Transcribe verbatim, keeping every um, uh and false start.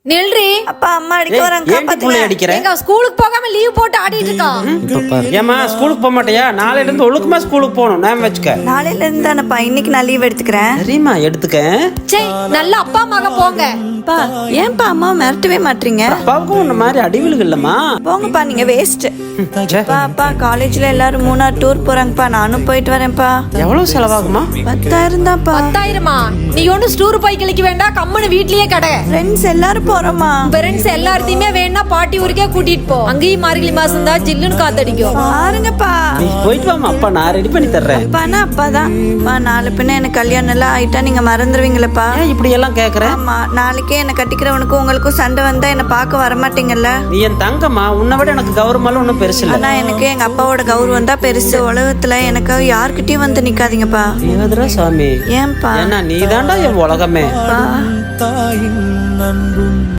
நில்றி. அப்பா அம்மா அடிக்க வராங்க, காப்பாத்துங்க. எங்க ஸ்கூலுக்கு போகாம லீவ் போட்டு ஆடிட்டு இருக்கான். ஏமா ஸ்கூலுக்கு போக மாட்டியா? நாளையில இருந்து ஒழுக்கமா ஸ்கூலுக்கு போகணும். நான் வச்சுக்க. நாளையில இருந்து தானப்பா, இன்னைக்கு நான் லீவ் எடுத்துக்கிறேன். சரிம்மா எடுத்துக்க. சே, நல்ல அப்பா அம்மாக போங்க. பா ஏன்பா அம்மா மிரட்டவே மாட்டீங்க? அப்பாவுக்கும் உன்ன மாதிரி அடிவிலுக்கு இல்லம்மா. போங்கப்பா, நீங்க வேஸ்ட். பா அப்பா காலேஜ்ல எல்லாரும் மூணார் டூர் போறாங்கப்பா, நானும் போயிட்டு வரேன்ப்பா. எவ்வளவு செலவாகுமா? பத்தாயிரம் தான்ப்பா. பத்தாயிரமா? நீ ஒன்னும் ஸ்டூர் போய் கிளிக்க வேண்டாம், கம்முன்னு வீட்லயே கடை. ஃப்ரெண்ட்ஸ் எல்லாரும் போறோமா? ஃப்ரெண்ட்ஸ் எல்லாத்தையுமே வேணா பாட்டி ஊருக்கே கூட்டிட்டு போ. அங்கேயும் மார்கழி மாசம் தான் ஜில்லுன்னு காத்தடிக்கும். பாருங்கப்பா. நீ போயிட்டு வாமா, அப்பா நான் ரெடி பண்ணி தர்றேன். அப்பானா அப்பாதான். பா நாலு பின்ன எனக்கு கல்யாணம் எல்லாம் ஆயிட்டா நீங்க மறந்துடுவீங்களப்பா? ஏன் இப்படி எல்லாம் கேக்குற? ஆமா, நாளைக்கே என்ன கட்டிக்கிறவனுக்கும் உங்களுக்கும் சண்டை வந்தா என்ன பார்க்க வரமாட்டீங்கல்ல? நீ என் தங்கம்மா, உன்னை விட எனக்கு கௌரவமெல்லாம் ஒன்றும் பெருசு இல்லை. ஆனா எனக்கு எங்க அப்பாவோட கௌரவம் தான் பெருசு. உலகத்துல எனக்கு யாருக்கிட்டயும் வந்து நிக்காதீங்கப்பா. ஏதுடா சாமி? ஏன்பா? ஏன்னா நீ தாண்டா என் உலகமே. பா